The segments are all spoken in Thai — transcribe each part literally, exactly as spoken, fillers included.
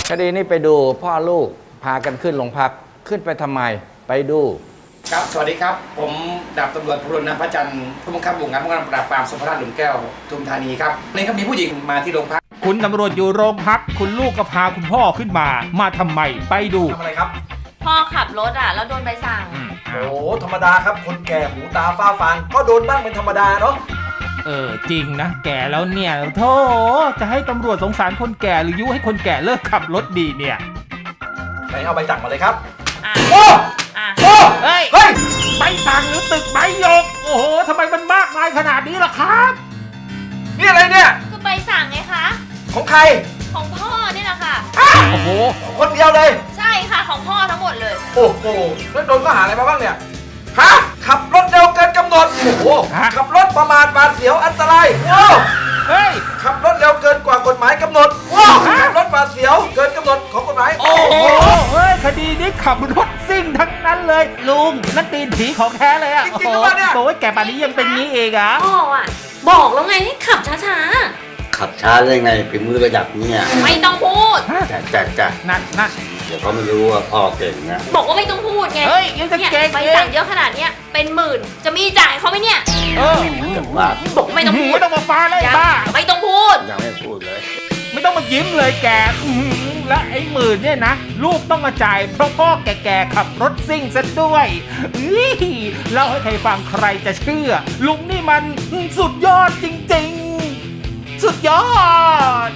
คดีนี้ไปดูพ่อลูกพากันขึ้นโรงพักขึ้นไปทำไมไปดูครับสวัสดีครับผมดาบตำรวจพลนพระจันทร์ผู้บังคับหมู่งานป้องกันปราบปรามสพราชหลุมแก้วทุมธานีครับนี่ครับมีผู้หญิงมาที่โรงพักคุณตำรวจอยู่โรงพักคุณลูกก็พาคุณพ่อขึ้นมามาทำไมไปดูทำอะไรครับพ่อขับรถอ่ะแล้วโดนใบสั่งโอ้ธรรมดาครับคนแก่หูตาฝ้าฟางก็โดนบ้างเป็นธรรมดาเนาะเออจริงนะแก่แล้วเนี่ยโธ่จะให้ตำรวจสงสารคนแก่หรือยุให้คนแก่เลิกขับรถดีเนี่ยไหนเอาใบสั่งมาเลยครับโอ้โอ้เฮ้ยเฮ้ยใบสั่งหรือตึกใบหยกโอ้โหทำไมมันมากมายขนาดนี้ล่ะครับนี่อะไรเนี่ยก็ใบสั่งไงคะของใครของพ่อนี่แหละค่ะโอ้โหคนเดียวเลยใช่ค่ะของพ่อทั้งหมดเลยโอ้โหแล้วโดนข้อหาอะไรมาบ้างเนี่ยฮะขับรถเร็วเกินกำหนดโอ้โหขับรถประมาทหวาดเสียวอันตรายโอ้เฮ้ยขับรถเร็วเกินกว่ากฎหมายกำหนดว้าวขับรถหวาดเสียวเกินกำหนดของกฎหมายโอ้โหเฮ้ยคดีนี้ขับรถซิ่งทั้งนั้นเลยลุงนั่นตีนผีของแท้เลยอ่ะจริงๆป่ะเนี่ยโอ้ยแกป่านนี้ยังเป็นงี้เองอ่ะพ่ออ่ะบอกแล้วไงให้ขับช้าๆขับช้าได้ไงฝีมือระดับนี้ไม่ต้องพูดจ้ะจ้ะจ้ะนั่นนั่นเดี๋ยวเขาไม่รู้ว่าพ่อเก่งนะบอกว่าไม่ต้องพูดไงเฮ้ยยังจะเก่งใบสั่งเยอะขนาดเนี้ยเป็นหมื่นจะมีจ่ายเขาไหมเนี่ยเออบอกไม่ต้องพูดไม่ต้องมาฟ้าเลยบ้าไม่ต้องพูดยังไม่พูดเลยไม่ต้องมายิ้มเลยแกและไอ้หมื่นเนี่ยนะลูกต้องมาจ่ายเพราะพ่อแก่ๆขับรถซิ่งซะด้วยเล่าให้ใครฟังใครจะเชื่อลุงนี่มันสุดยอดจริงๆสุดยอด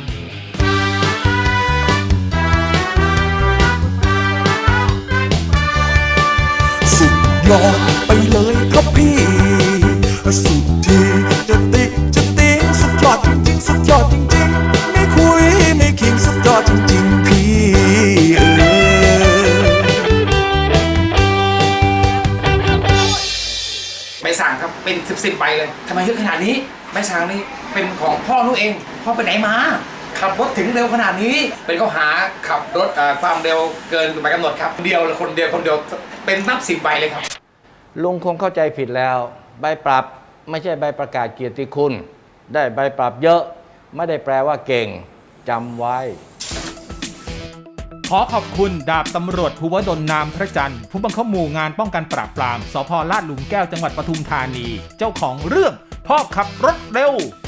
สุดยอดไปเลยครับพี่สุดที่จะติจะติงสุดยอดจริงๆสุดยอดจริงๆไม่คุยไม่คิงสุดยอดจริงๆพี่เออใบสั่งครับเป็นสิบสิบใบเลยทำไมเยอะขนาดนี้ใบสั่งนี่เป็นของพ่อลูกเองพ่อไปไหนมาขับรถถึงเร็วขนาดนี้เป็นข้อหาขับรถความเร็วเกินกฎหมายกำหนดครับเดียวคนเดียวคนเดียวเป็นนับสิบใบเลยครับลุงคงเข้าใจผิดแล้วใบปรับไม่ใช่ใบประกาศเกียรติคุณได้ใบปรับเยอะไม่ได้แปลว่าเก่งจำไว้ขอขอบคุณดาบตำรวจภูวดลนามพระจันทร์ผู้บังคับหมู่งานป้องกันปราบปรามสภ.ลาดหลุมแก้วจังหวัดปทุมธานีเจ้าของเรื่องพ่อขับรถเร็ว